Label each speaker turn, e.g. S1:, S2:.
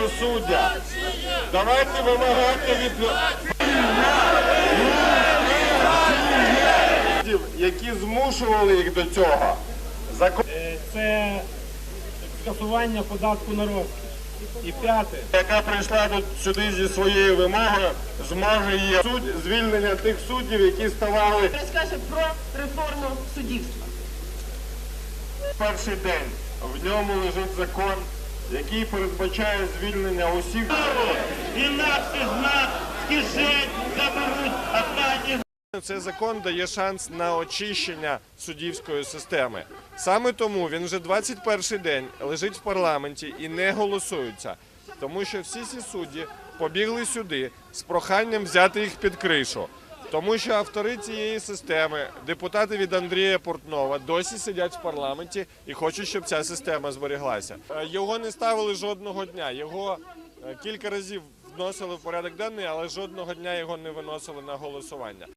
S1: суддя. Давайте вимагати від які змушували їх до цього.
S2: Це скасування податку на розкіш. І п'яте.
S1: Яка прийшла сюди зі своєю вимогою, зможе її звільнення тих суддів, які ставали.
S3: Розкаже про реформу суддівства.
S1: Перший день в ньому лежить закон, який передбачає звільнення усіх.
S4: Інакше з нас з кишень заберуть останні.
S1: Цей закон дає шанс на очищення суддівської системи. Саме тому він вже 21-й день лежить в парламенті і не голосується. Тому що всі ці судді побігли сюди з проханням взяти їх під кришу. Тому що автори цієї системи, депутати від Андрія Портнова, досі сидять в парламенті і хочуть, щоб ця система зберіглася. Його не ставили жодного дня, його кілька разів вносили в порядок денний, але жодного дня його не виносили на голосування.